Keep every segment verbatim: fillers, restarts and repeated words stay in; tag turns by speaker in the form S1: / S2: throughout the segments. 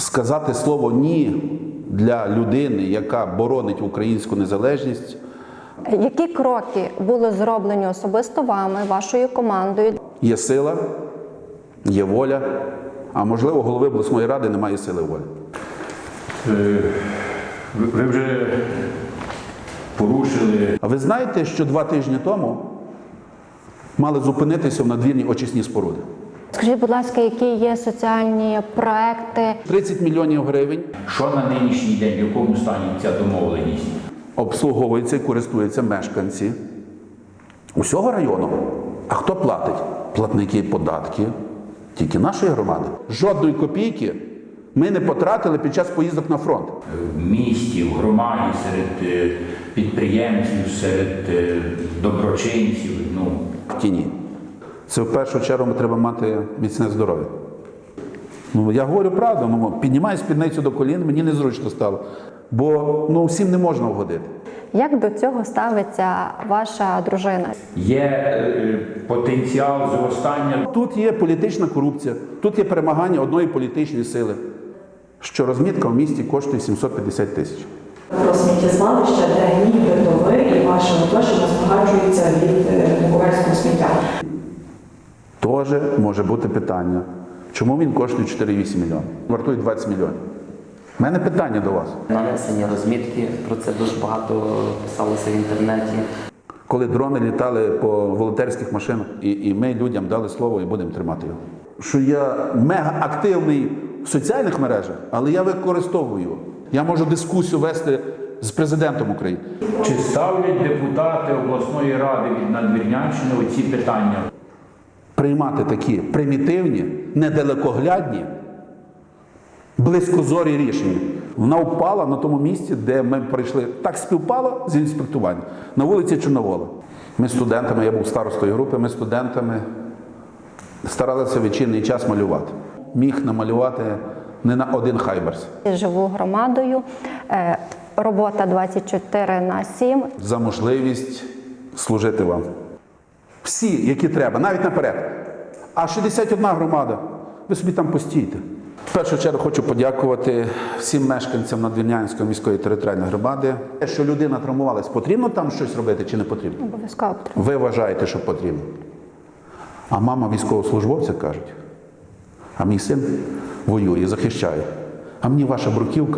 S1: сказати слово «ні» для людини, яка боронить українську незалежність.
S2: Які кроки були зроблені особисто вами, вашою командою?
S1: Є сила, є воля, а можливо, голови обласної ради немає сили волі.
S3: Ви вже порушили.
S1: А ви знаєте, що два тижні тому мали зупинитися в надвірні очисні споруди?
S2: Скажіть, будь ласка, які є соціальні проекти?
S1: тридцять мільйонів гривень
S3: Що на нинішній день, в якому стані ця домовленість?
S1: обслуговуються і користуються мешканці усього району. А хто платить? Платники податків тільки нашої громади. Жодної копійки ми не потратили під час поїздок на фронт.
S3: В місті, в громаді, серед е, підприємців, серед е, доброчинців. Ну.
S1: В тіні. Це в першу чергу треба мати міцне здоров'я. Ну, я говорю правду, ну, піднімаю спідницю до колін, мені незручно стало. Бо ну, всім не можна вгодити.
S2: Як до цього ставиться ваша дружина?
S3: Є е, потенціал зростання.
S1: Тут є політична корупція, тут є перемагання одної політичної сили, що розмітка в місті коштує сімсот п'ятдесят тисяч.
S4: Про сміттєзвалище, де нібито ви і ваша оточення збагачуються від буковельського сміття.
S1: Теж може бути питання, чому він коштує чотири цілих вісім мільйонів, вартує двадцять мільйонів. У мене питання до вас.
S5: Нанесені розмітки, про це дуже багато писалося в інтернеті.
S1: Коли дрони літали по волонтерських машинах, і, і ми людям дали слово і будемо тримати його. Що я мега активний в соціальних мережах, але я використовую його. Я можу дискусію вести з президентом України.
S3: Чи ставлять депутати обласної ради від Надвірнянщини оці питання?
S1: Приймати такі примітивні, недалекоглядні, близькозорі рішення. Вона впала на тому місці, де ми прийшли. Так співпало з інспектуванням. На вулиці Чорновола. Ми студентами, я був старостою групи, ми студентами старалися вечірній час малювати. Міг намалювати не на один хайберс.
S2: Живу громадою, е, робота двадцять чотири на сім.
S1: За можливість служити вам. Всі, які треба, навіть наперед. А шістдесят одна громада, ви собі там постійте. В першу чергу хочу подякувати всім мешканцям Надвірнянської міської територіальної громади. Що людина травмувалась, потрібно там щось робити чи не потрібно?
S2: Обов'язково потрібно.
S1: Ви вважаєте, що потрібно. А мама військовослужбовця кажуть, а мій син воює, захищає. А мені ваша бруківка.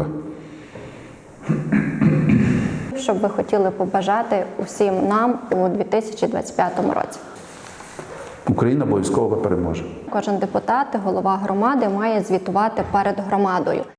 S2: Що б ви хотіли побажати усім нам у дві тисячі двадцять п'ятому році?
S1: Україна обов'язково переможе.
S2: Кожен депутат, голова громади має звітувати перед громадою.